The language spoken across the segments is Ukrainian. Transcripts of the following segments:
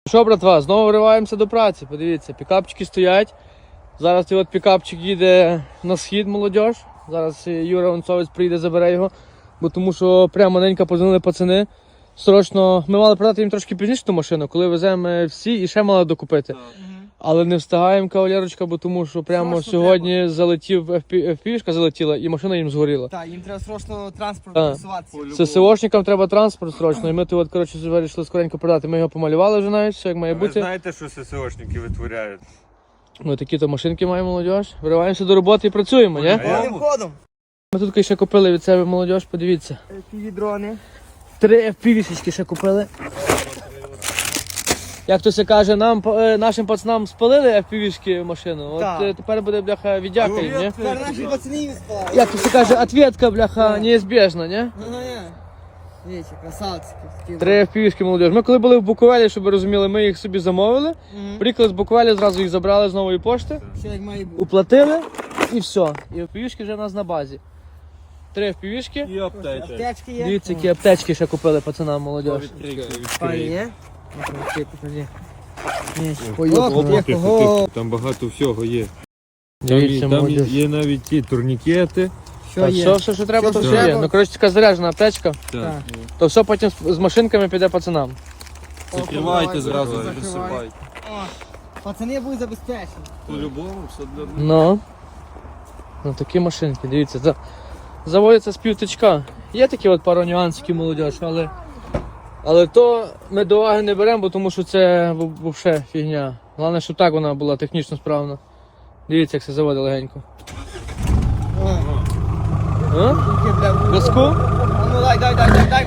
Що, братва, знову вриваємося до праці. Подивіться, пікапчики стоять. Зараз цей от пікапчик їде на схід, молодіж. Зараз Юра Онцовець прийде, забере його. Бо тому що прямо ненька позвонили пацани. Срочно, ми мали продати їм трошки пізніше ту машину, коли веземо всі і ще мали докупити. Але не встигаємо, кавалерочка, бо тому що прямо Срочно сьогодні треба. залетів FPV-шка залетіла і машина їм згоріла. Так, їм треба срочно транспорт Так. просуватися. ССОшникам треба транспорт срочно, і ми тут, коротше, вирішили скоренько продати. Ми його помалювали вже навіть, все як має Ви бути. знаєте, що ССОшники витворяють? Ми такі-то машинки маємо, молодіж. Вириваємося до роботи і працюємо, ні? Повним ходом. Ми тут ще купили від себе, молодіж, подивіться. Півдрони. 3 FPV-шечки ще купили. Як то се каже, нашим пацанам спалили FPV-шки машину. От Так. тепер буде, бляха, віддяка їм, ні? Зараз наші пацани їм спали. Як то се каже, ответка, бляха, неізбіжна, ні? Дивіться, красавці. 3 FPV-шки, молодіж. Ми коли були в Буковелі, щоб ви розуміли, ми їх собі замовили. Приїхали з Буковелі, зразу їх забрали з нової пошти. Все як має бути. Уплатили і все. І FPV-шки вже у нас на базі. 3 FPV-шки. І аптечка. Аптечки є. Дивіться, які аптечки ще купили пацанам, молодіж. Пані є? Покажи. Там багато всього є. Дивіться, Там молодіж. є навіть ті турнікети. Що Та є? все, що треба, Все, то що все є. треба. Ну, коротше, така заряджена аптечка, Так. то все потім з машинками піде пацанам. Закривайте зразу, Закривай. засипайте. О, пацани будуть забезпечені. По-любому все для Ну такі машинки, дивіться. Заводяться з півтичка. Є такі от пару нюансиків, молодіж, але то ми до уваги не беремо, бо тому що це взагалі фігня. Головне, щоб так вона була технічно справна. Дивіться, як це заводить легенько. А? Тільки, бля, Газку? А ну дай.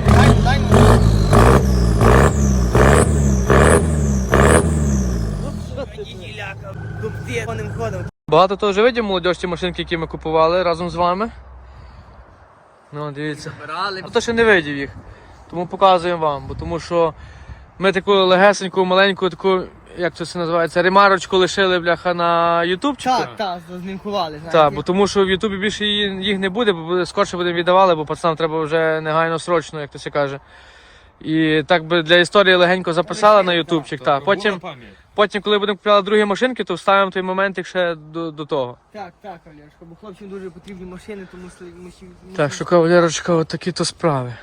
Дубці повним ходом. Багато того вже видів, молодіж, ті машинки, які ми купували разом з вами. Ну, дивіться. А то ще не видів їх. Тому показуємо вам, бо тому що ми таку легесеньку, маленьку, таку, як це все називається, ремарочку лишили, бляха, на ютубчику. Так, знімкували, знаєте. Так, бо тому що в Ютубі більше їх не буде, бо скорше будемо віддавали, бо пацанам треба вже негайно срочно, як то се каже. І так би для історії легенько записали на ютубчик. Так. Потім, коли будемо купляти другі машинки, то вставимо той момент ще до того. Так, Олешко, бо хлопцям дуже потрібні машини, тому що Так що, кавалерочка, от такі то справи.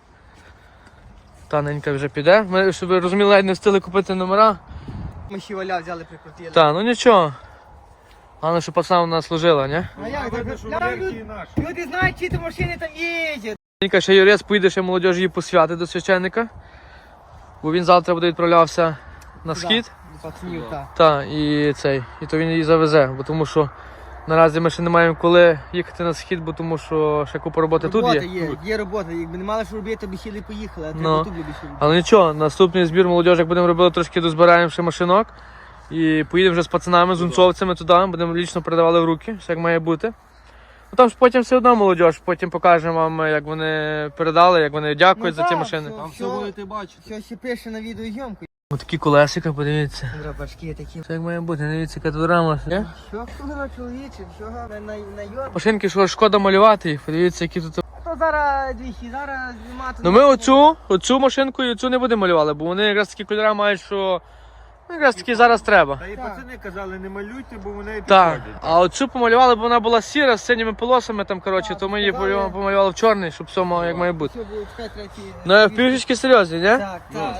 Та ненька вже піде. Ми, щоб ви розуміли, навіть не встигли купити номера. Ми ще валя взяли, прикрутили. Так, ну нічого. Головне, що пацана вона служила, ні? А як так? Люди знають, чи ті машини там їздять. Ненька ще юрець поїде ще молодіж її посвяти до священника. Бо він завтра буде відправлявся на схід. Пацанів, так. Так, і то він її завезе, бо тому що наразі ми ще не маємо коли їхати на схід, бо тому що ще купа роботи тут є. Є робота. Якби не мали що робити, то б сіли і поїхали, а Ну. треба тут більше робити. Але нічого, наступний збір молодіж, як будемо робити, трошки дозбираємо ще машинок. І поїдемо вже з пацанами, з унцовцями туди, будемо лічно передавали в руки, все як має бути. Ну там ж потім все одно молодіж, потім покажемо вам, як вони передали, як вони дякують за ці машини. Там все будете бачити. Все ще пише на відеозйомку. Ось такі колесика, подивіться. Драбашки такі. Все як має бути, дивіться, яка тут рама. Є? Що хто чоловіче, що на йод. Машинки, що шкода малювати їх, подивіться, які тут. То зараз двічі, зараз нема. Ну ми оцю машинку і оцю не будемо малювати, бо вони якраз такі кольори мають, що якраз таки зараз треба. Та і пацани казали, не малюйте, бо вони Так, підходять. а оцю помалювали, бо вона була сіра з синіми полосами там, коротше, то ми її помалювали в чорний, щоб все мало як має бути. Все буде чекай третій. Ну, пішечки серйозні, ні? Так.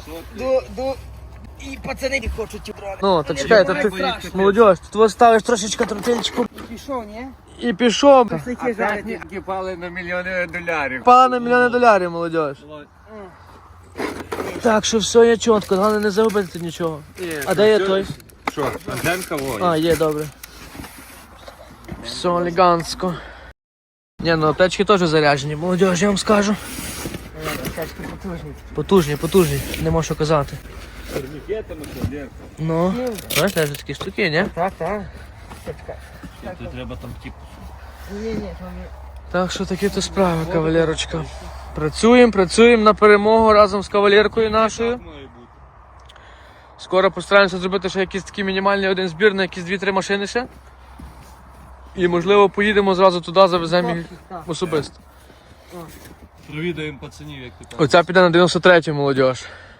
І пацани не хочуть ті дрони. Ну, то чекай, то ти, молодь, тут ось ставиш трошечки тротильчику Пішов, ні? і пішов. Такі жарті. пали на мільйони долярів. Пала на мільйони доларів, молодь. Так що все є чітко, головне не загубити тут нічого. А де є той? Що, антенка во? А, є, добре. Все елегантсько. Ні, ну аптечки теж заряджені, молодь, я вам скажу. Потужні. Потужні, не можу що казати. Турнікетами, кладерка. Ну, знаєш, теж такі штуки, ні? Так. Тут треба там типу. Ні, Так що такі то справи, кавалерочка. Працюємо на перемогу разом з кавалеркою нашою. Скоро постараємося зробити ще якийсь такий мінімальний один збір на якісь 2-3 машини ще. І можливо поїдемо зразу туди, завеземо їх особисто. Провідаємо пацанів, як ти кажеш. Оця піде на 93-ю, молодь.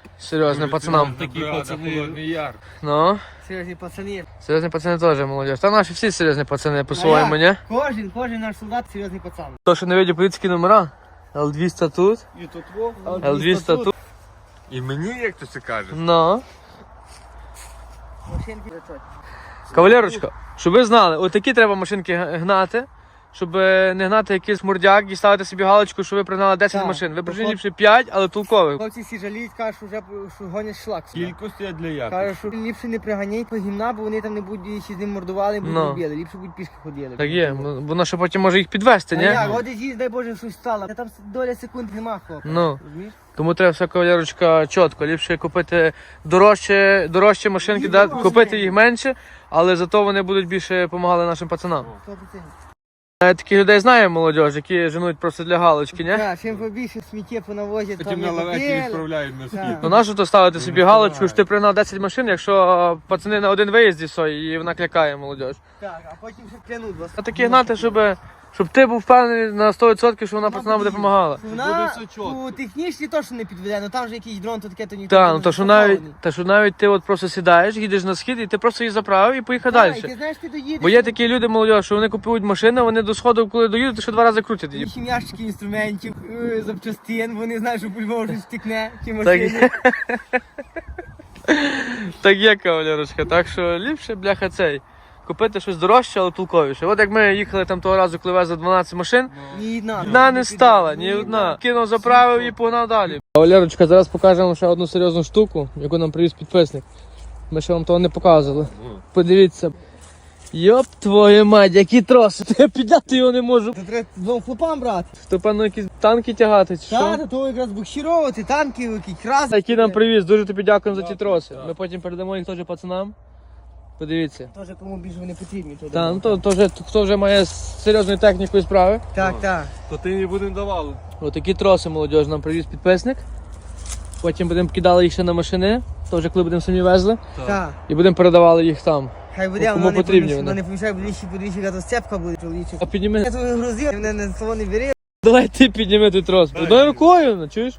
Серйозним пацанам. Такі пацани. Холодний Яр. Ну, Серйозні пацани. серйозні пацани теж молодіж. Та наші всі серйозні пацани по-своєму, ні? Кожен наш солдат серйозний пацан. То, що не видів поліцейські номера. L200 тут, І тут во. L200 тут. І мені, як то це каже. Ну. Машинки летять. Кавалерочка, щоб ви знали, отакі треба машинки гнати, щоб не гнати якийсь мурдяк і ставити собі галочку, що ви пригнали 10 Так. машин. Ви прижили ліпше 5, але толкових. Хлопці всі жаліють, кажуть, що гонять шлак сюди. Кількості для якості. Кажуть, що ліпше не приганяй по гімна, бо вони там не будуть ще з ним мордували, будуть Ну. робили. Ліпше будуть пішки ходили. Так є, воно ще потім може їх підвести, А ні? як, от і дай Боже, щось стало. Та там доля секунд нема, хлопці. Ну. Розумієш? Тому треба все, кавалерочка, чітко. Ліпше купити дорожчі машинки, купити їх менше, але зато вони будуть більше допомагати нашим пацанам. 100%. Таких людей знаємо, молодіж, які женуть просто для галочки, ні? Так, чим побільше сміття понавозять, Потім там на не лаветі попили. відправляють на Так. схід. Ну нащо то ставити собі галочку, що ти пригнав 10 машин, якщо пацани на один виїзді і вона клякає, молодіж. Так, а потім ще клянуть вас. А такі гнати, щоб ти був впевнений на 100%, що вона пацанам буде допомагала. Вона Буде все чітко. у технічній точно не підведе, але там же якийсь дрон, то таке, то ніхто Так, не ну то що застрахований. навіть ти от просто сідаєш, їдеш на схід і ти просто її заправив і поїхав Так, і далі. ти знаєш, ти доїдеш. Бо є такі люди, молодь, що вони купують машину, вони до сходу, коли доїдуть, то ще 2 рази крутять її. Інші ящики інструментів, запчастин, вони знають, що по-любому щось стікне, чи Так машині. є. Так є, кавалерочка, так що ліпше, бляха, цей. Купити щось дорожче, але толковіше. От як ми їхали там того разу, коли везли 12 машин, Ні одна. одна не стала, ні одна. Кинув, заправив і погнав далі. Кавалерочка, зараз покажемо ще одну серйозну штуку, яку нам привіз підписник. Ми ще вам того не показували. Подивіться. Йоп твою мать, які троси. Я підняти його не можу. Це треба двом хлопам брати. То певно якісь танки тягати чи що? Так, то якраз буксировувати, танки, якісь краси. Які нам привіз, дуже тобі дякуємо за ті троси. Ми потім передамо їх теж пацанам. Подивіться. Теж кому більше вони потрібні. то Та, да. ну то вже хто вже має з серйозною технікою справи. Так, так. То ти не будемо давали. Отакі троси молодіж нам привіз підписник. Потім будемо кидали їх ще на машини, то вже коли будемо самі везли. Так. І будемо передавали їх там. Хай буде, Кому воно не потрібні помішає, вони? воно не помішає, бо лічі подвічі, яка то сцепка буде чоловічок. А підніми. Я твою грузив, мене на слово не бери. Давай ти підніми той трос. Одною рукою, ну, чуєш?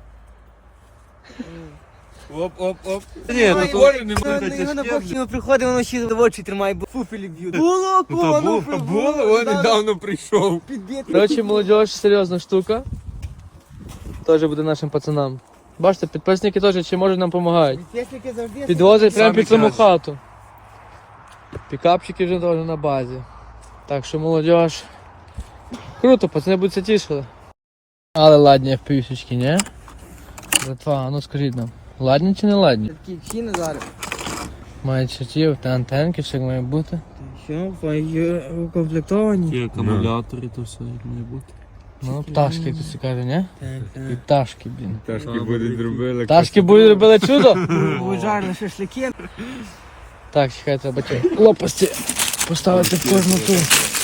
Оп. Ні, ну то волі не буде Воно тяжке. поки приходить, воно ще в очі тримає, бо фуфелі б'ють. Було, Було, він недавно прийшов. підбити. Коротше, молодіж, серйозна штука. Теж буде нашим пацанам. Бачите, підписники теж чи можуть нам допомагають. Підписники завжди. Підвозять прямо під саму краще. хату. Пікапчики вже теж на базі. Так що молодіж. Круто, пацани будуть це тішили. Але ладні впівсічки, ні? Братва, а ну скажіть нам, ладні чи не ладні? Такі ціни зараз. Мають чертів, та антенки, все як має бути. Що, укомплектовані? Є акумулятори, то все як має бути. Ну, пташки, як це каже, ні? Так, І пташки, блін. Пташки будуть зробили. Пташки будуть робили чудо. Будуть жарені шашлики. Так, чекай, треба ті лопасті поставити в кожну ту.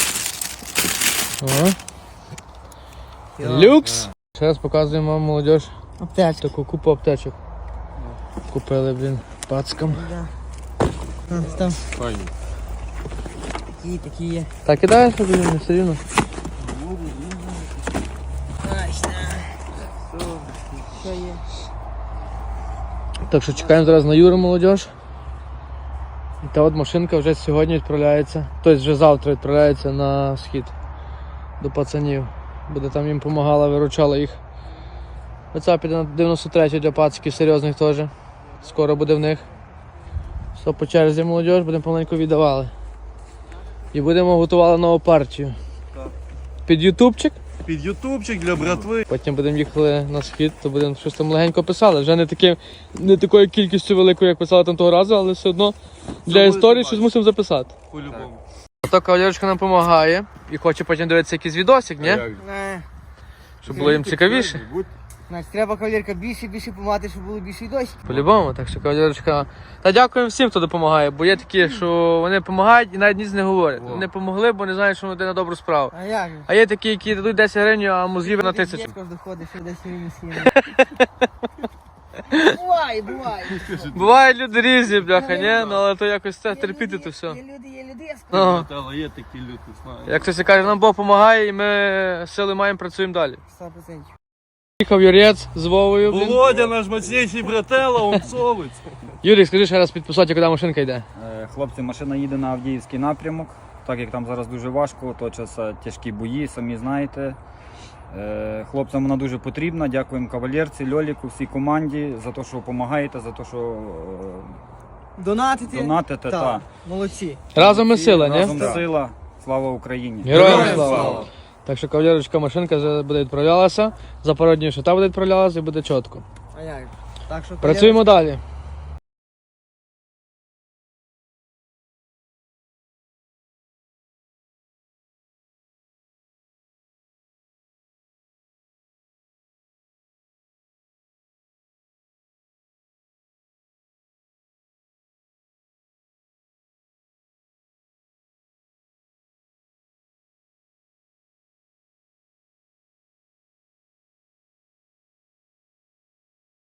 О. Люкс! Ще раз показуємо вам, молодіж, Аптечка. таку купу аптечок. Купили, блін, пацкам. Там Файні. такі є. Так, кидаєш, блін, не все рівно. Що є? Так що чекаємо зараз на Юру, молодіж. І та от машинка вже сьогодні відправляється, тобто вже завтра відправляється на схід до пацанів. Буде там їм допомагала, виручала їх. Оця піде на 93 для пациків серйозних теж. Скоро буде в них. Все по черзі, молодіж, будемо помаленьку віддавали. І будемо готували нову партію. Під ютубчик. Під ютубчик для братви. Потім будемо їхали на схід, то будемо щось там легенько писали. Вже не такою кількістю великою, як писали там того разу, але все одно для буде історії бачити. щось мусимо записати. По-любому. А то кавалерочка нам допомагає і хоче потім дивитися якийсь відосик, ні? Щоб було їм цікавіше. Значить, треба кавалерка більше помати, щоб було більше й дощ. По-любому, так що кавалерочка. Та дякуємо всім, хто допомагає, бо є такі, що вони допомагають і навіть ніц не говорять. Вони допомогли, бо не знають, що вони йде на добру справу. А як? же? А є такі, які дадуть 10 гривень, а мозгів на 1000. Дідько ж доходить, що десь він східно. Буває. Бувають люди різні, бляха, ні? Ну але то якось це терпіти то все. Є люди, я скажу. Ну, Але є такі люди, знаєш. як хтось каже, нам Бог допомагає і ми сили маємо, працюємо далі. 100%. Їхав Юрець з Вовою. Блін. Володя, наш мощніший братела, онцовець. Юрій, скажи ще раз підписати, куди машинка йде. Хлопці, машина їде на Авдіївський напрямок, так як там зараз дуже важко, точаться тяжкі бої, самі знаєте. Хлопцям вона дуже потрібна. Дякуємо кавалерці, Льоліку, всій команді за те, що допомагаєте, за те, що Донатити? донатите. Так, молодці. Разом ми сила, ні? Разом сила. Слава Україні! Героям слава! Так що кавалерочка, машинка вже буде відправлялася, за пару днів ще та буде відправлялася і буде чітко. А як? Так що Працюємо далі.